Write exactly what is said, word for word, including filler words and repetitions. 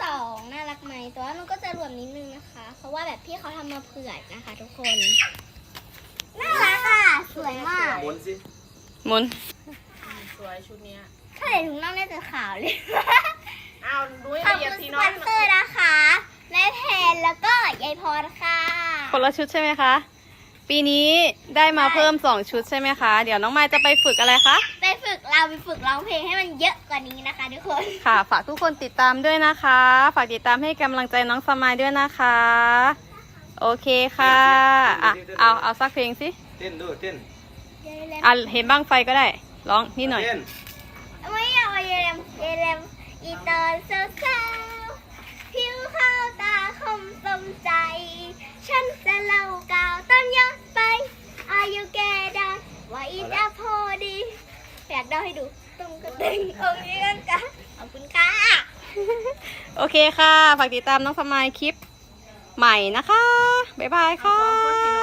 องน่ารักไหมแต่ว่ามันก็จะรวมนิดนึงนะคะ เพราะว่าแบบพี่เขาทำมาเผื่อนะคะทุกคนน่ารักอ่ะสวยมากหมุนสิหมุนสวยชุดเนี้ยถ้าใส่ถุงน่องน่าจะขาวเลยอ้าวนุ้ยขอบเหยียบคุณทีสน้ปออย นเซอร์นะคะแม่แพนแล้วก็ยายพรค่ะคนละชุดใช่ไหมคะ ปีนี้ได้มาเพิ่มสองชุดใช่ไหมคะ เดี๋ยวน้องไม้จะไปฝึกอะไรคะไปฝึกเราไปฝึกร้องเพลงให้มันเยอะกว่านี้นะคะทุกคนค่ะ ฝากทุกคนติดตามด้วยนะคะ ฝากติดตามให้กำลังใจน้องสมายด้วยนะคะ โอเคค่ะ อ่ะ เอาเอาสักเพลงสิเต้นด้วยเต้นอ่ะเห็นบ้างไฟก็ได้ ร้องนิดหน่อยเต้นไม่อยากเยลมเยลมอีตอนเช้าเช้าผิวขาวตาคมสมใจ ฉันจะเล่ากล่าวต้นย้อนไป อายุแกได้ว่าอีจะพอดีอยากเดาให้ดูตรงกระตึงองค์นี้กันกันขอบคุณค่ะโอเคค่ะ ฝากติดตามน้องสมายคลิปใหม่นะคะ บ๊ายบายค่ะ